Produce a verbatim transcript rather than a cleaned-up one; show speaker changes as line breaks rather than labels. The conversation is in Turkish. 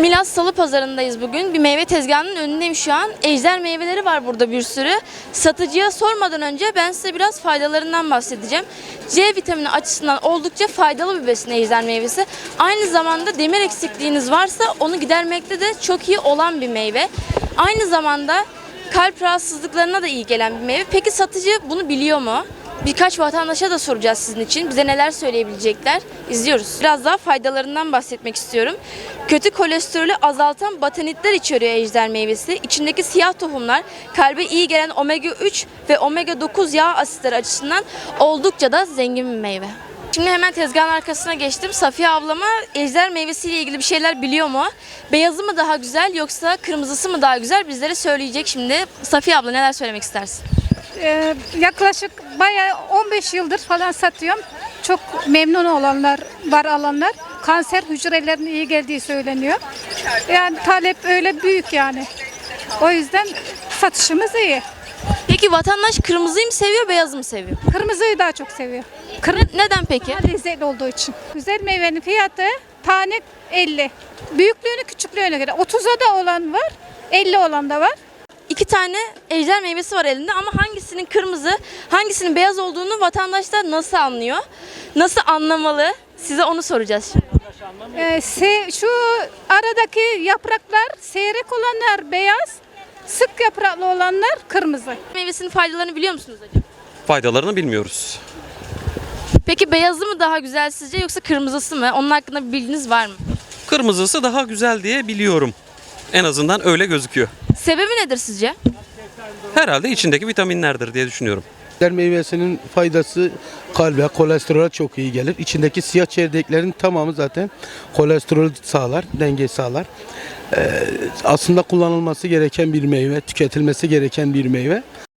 Milas Salı Pazarı'ndayız bugün. Bir meyve tezgahının önündeyim şu an. Ejder meyveleri var burada bir sürü. Satıcıya sormadan önce ben size biraz faydalarından bahsedeceğim. C vitamini açısından oldukça faydalı bir besin ejder meyvesi. Aynı zamanda demir eksikliğiniz varsa onu gidermekte de çok iyi olan bir meyve. Aynı zamanda kalp rahatsızlıklarına da iyi gelen bir meyve. Peki satıcı bunu biliyor mu? Birkaç vatandaşa da soracağız sizin için. Bize neler söyleyebilecekler? İzliyoruz. Biraz daha faydalarından bahsetmek istiyorum. Kötü kolesterolü azaltan batanitler içeriyor ejder meyvesi. İçindeki siyah tohumlar kalbe iyi gelen omega üç ve omega dokuz yağ asitleri açısından oldukça da zengin bir meyve. Şimdi hemen tezgahın arkasına geçtim. Safiye ablama ejder meyvesiyle ilgili bir şeyler biliyor mu? Beyazı mı daha güzel yoksa kırmızısı mı daha güzel? Bizlere söyleyecek şimdi. Safiye abla neler söylemek istersin?
Ee, yaklaşık bayağı on beş yıldır falan satıyorum. Çok memnun olanlar var, alanlar. Kanser hücrelerine iyi geldiği söyleniyor. Yani talep öyle büyük yani. O yüzden satışımız iyi.
Peki vatandaş kırmızıyı mı seviyor, beyazı mı seviyor?
Kırmızıyı daha çok seviyor.
Ne- Neden peki?
Daha lezzetli olduğu için. Güzel meyvenin fiyatı tane elli. Büyüklüğünü küçüklüğüne göre. otuza da olan var, elli olan da var.
İki tane ejder meyvesi var elinde ama hangisinin kırmızı, hangisinin beyaz olduğunu vatandaşlar nasıl anlıyor? Nasıl anlamalı? Size onu soracağız şimdi.
Ee, se- şu aradaki yapraklar seyrek olanlar beyaz, sık yapraklı olanlar kırmızı.
Meyvesinin faydalarını biliyor musunuz acaba?
Faydalarını bilmiyoruz.
Peki beyazı mı daha güzel sizce yoksa kırmızısı mı? Onun hakkında bir bilginiz var mı?
Kırmızısı daha güzel diye biliyorum. En azından öyle gözüküyor.
Sebebi nedir sizce?
Herhalde içindeki vitaminlerdir diye düşünüyorum.
Ejder meyvesinin faydası kalbe, kolesterole çok iyi gelir. İçindeki siyah çekirdeklerin tamamı zaten kolesterol sağlar, denge sağlar. Ee, aslında kullanılması gereken bir meyve, tüketilmesi gereken bir meyve.